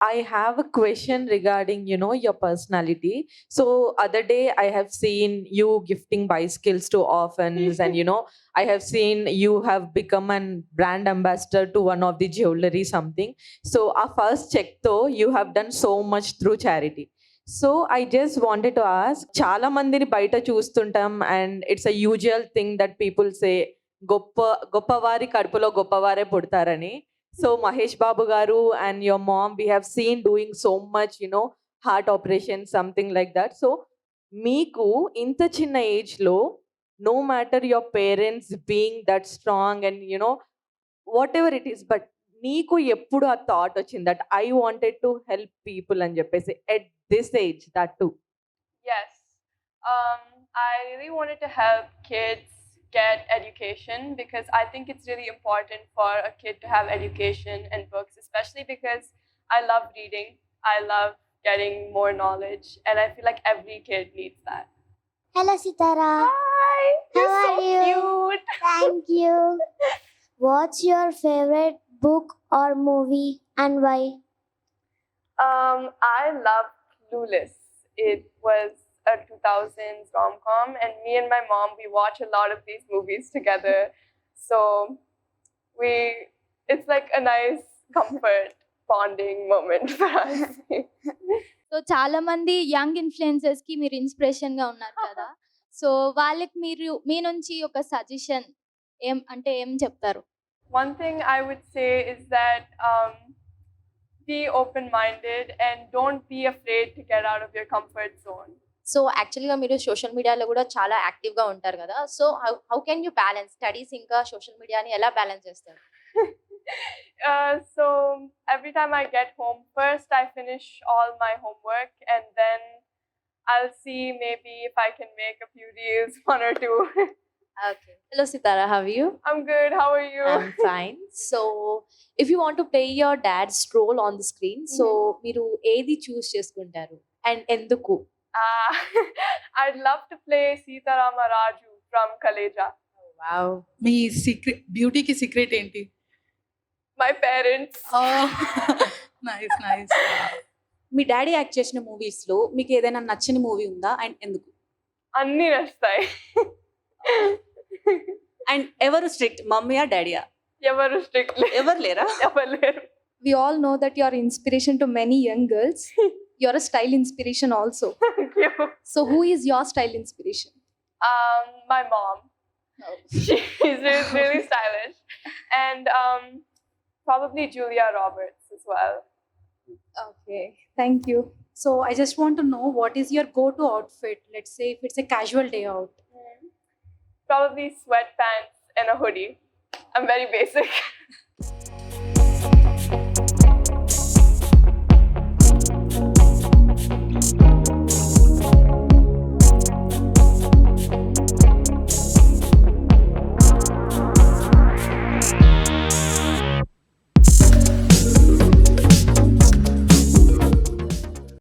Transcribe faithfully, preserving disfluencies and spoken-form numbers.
I have a question regarding, you know, your personality. So other day I have seen you gifting bicycles to orphans, and you know, I have seen you have become an brand ambassador to one of the jewelry something. So our first check though, you have done so much through charity. So I just wanted to ask, చాలా మందిని బయట చూస్తుంటాం and it's a usual thing that people say గొప్ప గొప్పవారి కడుపులో గొప్పవారే పుడతారని. So Mahesh బాబు గారు and your mom we have seen doing so much, you know, heart operation something like that. So మీకు ఇంత చిన్న ఏజ్ లో no matter your parents being that strong and you know whatever it is, but నీకు ఎప్పుడు ఆ thought వచ్చింది that I wanted to help people అని చెప్పేసి at this age that too? Yes. Um, I really wanted to help kids get education because I think it's really important for a kid to have education and books, especially because I love reading. I love getting more knowledge, and I feel like every kid needs that. Hello, Sitara. Hi! You're How so are you? cute! Thank you. What's your favorite book or movie and why? Um, I love Clueless. It was a two thousands rom-com, and me and my mom, we watch a lot of these movies together. So we, it's like a nice comfort bonding moment for us. So చాలా మంది young influencers కి మీరు inspiration గా ఉన్నారు కదా. So వాళ్ళకి మీరు మీ నుంచి ఒక సజెషన్ ఏం అంటే ఏం చెప్తారు? One thing I would say is that um, be open-minded and don't be afraid to get out of your comfort zone. So యాక్చువల్గా మీరు సోషల్ మీడియాలో కూడా చాలా యాక్టివ్గా ఉంటారు కదా. So how how can you balance studies ఇంకా సోషల్ మీడియాని ఎలా బ్యాలెన్స్ చేస్తారు? uh, so every time I get home, first I finish all my homework and then I'll see maybe if I can make a few reels, one or two. Okay. Hello Sitara, how you? I'm good. How are you? I'm fine. So if you want to play your dad's role on the screen, so మీరు ఏది చూస్ చేసుకుంటారు and ఎందుకు? Uh, I'd love to play Sita Rama Raju from Kaleja. Wow. మీ secret బ్యూటీకి secret ఏంటి? My parents. Nice nice. మీ daddy act చేసిన movies లో మీకు ఏదైనా నచ్చని మూవీ ఉందా అండ్ ఎందుకు? అన్ని నచ్చుతాయి. అండ్ ఎవరు స్ట్రిక్ట్, మమ్మీయా డాడీయా? ఎవరు స్ట్రిక్ట్ ఎవరు లేరా? ఎవరు లేరు. We all know that you are inspiration to many young girls. You're a style inspiration also. Thank you. So who is your style inspiration? Um, my mom. She's really, really stylish. And um, probably Julia Roberts as well. Okay, thank you. So I just want to know what is your go to outfit. Let's say if it's a casual day out. Probably sweatpants and a hoodie. I'm very basic.